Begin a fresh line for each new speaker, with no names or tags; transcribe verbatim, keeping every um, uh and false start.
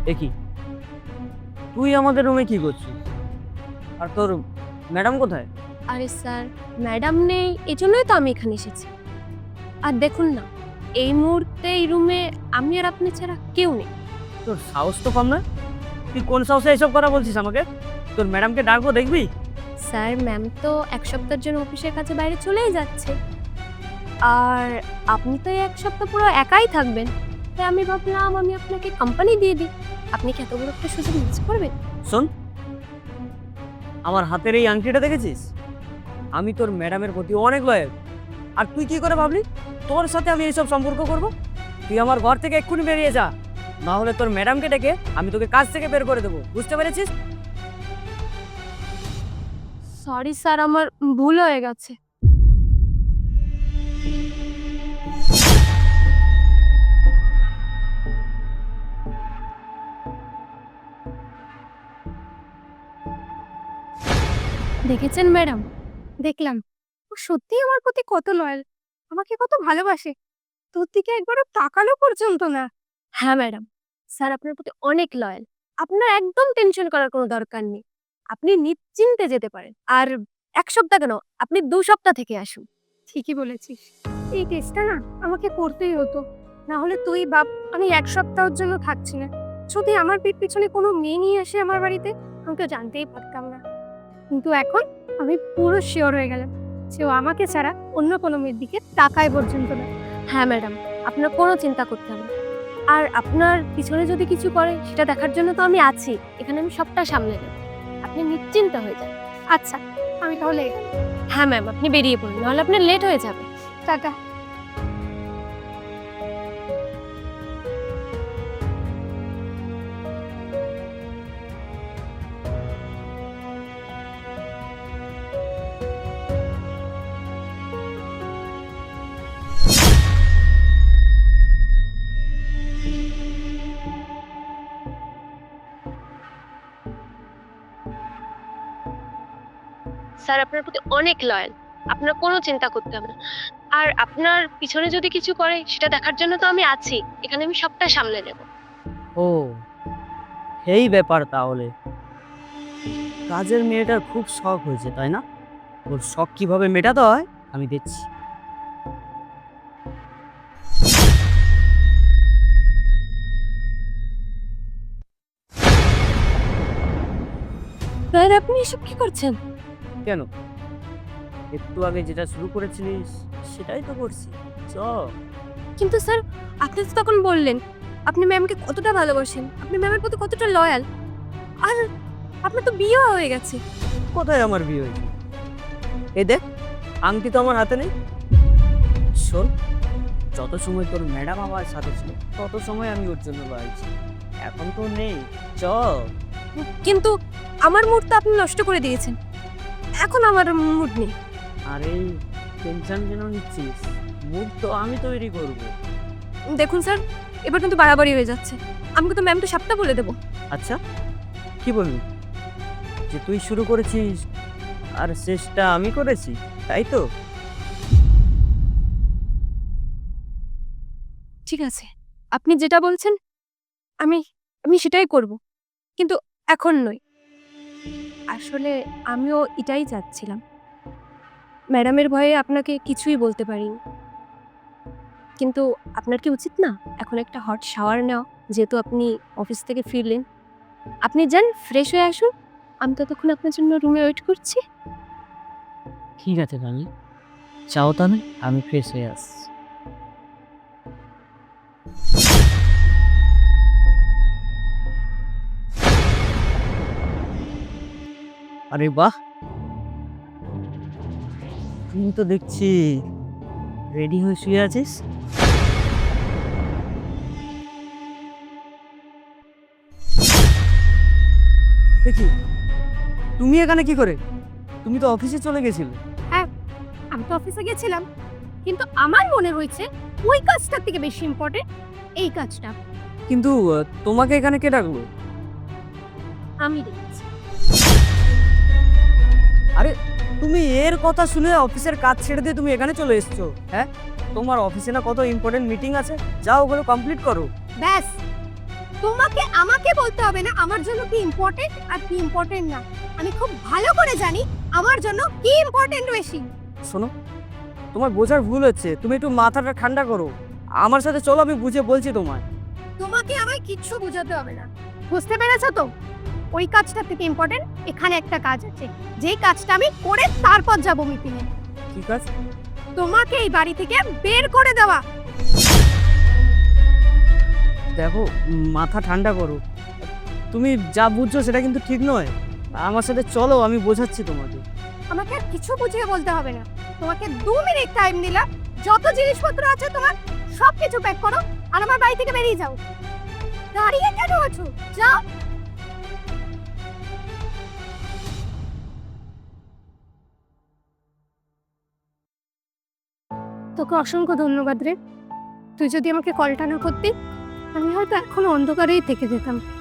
দেখি তুই আমাদের রুমে কি করছিস? আর তোর ম্যাডাম কোথায়?
আরে স্যার, ম্যাডাম নেই, এজন্যই তো আমি এখানে এসেছি। আর দেখুন না, এই মুহূর্তে এই রুমে আমি আর আপনি ছাড়া কেউ নেই।
তোর সাহস তো কম না। তুই কোন সাহসে এইসব কথা বলছিস আমাকে? তোর ম্যাডামকে ডাকবো, দেখবি?
স্যার, ম্যাম তো এক সপ্তাহের জন্য অফিসের কাছে বাইরে চলেই যাচ্ছে, আর আপনি তো এই এক সপ্তাহ পুরো একাই থাকবেন। তাই আমি ভাবলাম আমি আপনাকে কোম্পানি দিয়ে দিই। আপনি কি এত বড় একটা সুযোগ মিস করবেন?
শোন, আমার হাতের এই আংটিটা দেখেছিস? আমি তোর ম্যাডামের প্রতি অনেক লয়াল। আর তুই কি করে ভাবলি তোর সাথে আমি এইসব সম্পর্ক করব? তুই আমার ঘর থেকে এক্ষুনি বেরিয়ে যা, না হলে তোর ম্যাডামকে ডেকে আমি তোকে কাজ থেকে বের করে দেবো। বুঝতে পেরেছিস?
সরি স্যার, আমার ভুল হয়ে গেছে। দেখেছেন ম্যাডাম? দেখলাম ও সত্যিই আমার প্রতি কত লয়াল, আমাকে কত ভালোবাসে। তোর দিকে একবারও তাকালো পর্যন্ত না। হ্যাঁ ম্যাডাম, স্যার আপনার প্রতি অনেক লয়াল। আপনার একদম টেনশন করার কোনো দরকার নেই। আপনি নিশ্চিন্তে যেতে পারেন। আর এক সপ্তাহ কেন, আপনি দু সপ্তাহ থেকে আসুন। ঠিকই বলেছিস, এই টেস্টটা না আমাকে করতেই হতো, না হলে তুই ভাব আমি এক সপ্তাহের জন্য থাকছি না। যদি আমার পিঠ পিছনে কোনো মেয়ে নিয়ে আসে আমার বাড়িতে, আমি তো জানতেই পারতাম না। কিন্তু এখন আমি পুরো শিওর হয়ে গেলাম যে ও আমাকে ছাড়া অন্য কোনো মেয়ের দিকে তাকায় পর্যন্ত না। হ্যাঁ ম্যাডাম, আপনার কোনো চিন্তা করতে হবে না। আর আপনার পিছনে যদি কিছু করে সেটা দেখার জন্য তো আমি আছি, এখানে আমি সবটা সামলে নেব। আপনি নিশ্চিন্ত হয়ে যান। আচ্ছা, আমি তাহলে হ্যাঁ ম্যাম, আপনি বেরিয়ে পড়ুন, নাহলে আপনার লেট হয়ে যাবে। টাটা। স্যার আপনার প্রতি অনেক লয়াল, আপনার কোনো চিন্তা করতে হবে না। আর আপনার পিছনে যদি কিছু করে সেটা দেখার জন্য তো আমি আছি, এখানে আমি সবটা সামলে নেব।
ও, এই ব্যাপার তাহলে। কাজের মেয়েটার খুব শখ হয়েছে, তাই না? ওর শখ কিভাবে মেটাতে হয় আমি দেখছি।
স্যার আপনি এসব কি করছেন?
কেন, একটু আগে যেটা শুরু করেছিলিস সেটাই তো করছি। চ।
কিন্তু স্যার, আপনি তো তখন বললেন আপনি ম্যামকে কতটা ভালোবাসেন, আপনি ম্যামের প্রতি কতটা লয়াল। আর আপনার তো বিয়ে হয়ে গেছে।
কোথায় আমার বিয়ে হয়েছে? এই দেখ, আংটি তো আমার হাতে নেই। শোন, যত সময় তোর ম্যাডাম আমার সাথে ছিল তত সময় আমি ওর জন্য লড়াইছি। এখন তো নেই। চ।
কিন্তু আমার মুড তো আপনি নষ্ট করে দিয়েছেন, এখন আমার মুড নেই।
আরে, টেনশন কেন নিচ্ছিস? মুখ তো আমি তৈরি করব।
দেখুন স্যার, এবার কিন্তু বাড়াবাড়ি হয়ে যাচ্ছে। আমি কিন্তু ম্যাম তো সবটা বলে দেবো।
আচ্ছা, কি বলবি? যে তুই শুরু করেছিস আর শেষটা আমি করেছি, তাই তো?
ঠিক আছে, আপনি যেটা বলছেন আমি আমি সেটাই করব, কিন্তু এখন নয়। আসলে আমিও এটাই চাচ্ছিলাম, ম্যাডামের ভয়ে আপনাকে কিছুই বলতে পারিনি। কিন্তু আপনার কি উচিত না এখন একটা হট শাওয়ার নেওয়া, যেহেতু আপনি অফিস থেকে ফিরলেন? আপনি যান, ফ্রেশ হয়ে আসুন, আমি ততক্ষণ আপনার জন্য রুমে ওয়েট করছি।
ঠিক আছে রানী, চাও তাহলে আমি ফ্রেশ হয়ে আসছি। আরে বাহ, তুই তো দেখছি রেডি হয়ে শুয়ে আছিস। দেখি, তুমি এখানে কি করে? তুমি তো অফিসে চলে গেছিলে।
হ্যাঁ, আমি তো অফিসে গেছিলাম, কিন্তু আমার মনে হয়েছে ওই কাজটার থেকে বেশি ইম্পর্টেন্ট এই কাজটা।
কিন্তু আহ, তোমাকে এখানে কে ডাকলো?
আমি দেখছি।
আরে, তুমি এর কথা শুনে অফিসের কাজ ছেড়ে দিয়ে তুমি এখানে চলে এসেছো? হ্যাঁ, তোমার অফিসে না কত ইম্পর্টেন্ট মিটিং আছে, যাও ওগুলো কমপ্লিট করো।
ব্যাস, তোমাকে আমাকে বলতে হবে না আমার জন্য কি ইম্পর্টেন্ট আর কি ইম্পর্টেন্ট না। আমি খুব ভালো করে জানি আমার জন্য কি ইম্পর্টেন্ট বেশি।
শোনো, তোমার বোঝার ভুল হচ্ছে, তুমি একটু মাথাটা ঠান্ডা করো। আমার সাথে চলো, আমি বুঝে বলছি তোমায়।
তোমাকে আমায় কিচ্ছু বোঝাতে হবে না, বুঝতে পেরেছো তো? ওই কাজটা থেকে ইম্পর্টেন্ট এখানে একটা কাজ আছে, যেই কাজটা আমি করে তারপর যাবো মিটিংয়ে।
ঠিক আছে,
তোমাকে এই বাড়ি থেকে বের করে দেওয়া।
দেখো, মাথা ঠান্ডা করো। তুমি যা বুঝছো সেটা কিন্তু ঠিক নয়। আমার সাথে চলো, আমি বোঝাচ্ছি তোমাকে।
আমাকে আর কিছু বুঝিয়ে বলতে হবে না। তোমাকে দু মিনিট টাইম দিলাম, যত জিনিসপত্র আছে তোমার সব কিছু প্যাক করো আর আমার বাড়ি থেকে বেরিয়ে যাও। দাঁড়িয়ে কেন আছো? যাও। তোকে অসংখ্য ধন্যবাদ রে। তুই যদি আমাকে কলটা না করতি আমি হয়তো এখন অন্ধকারেই থেকে যেতাম।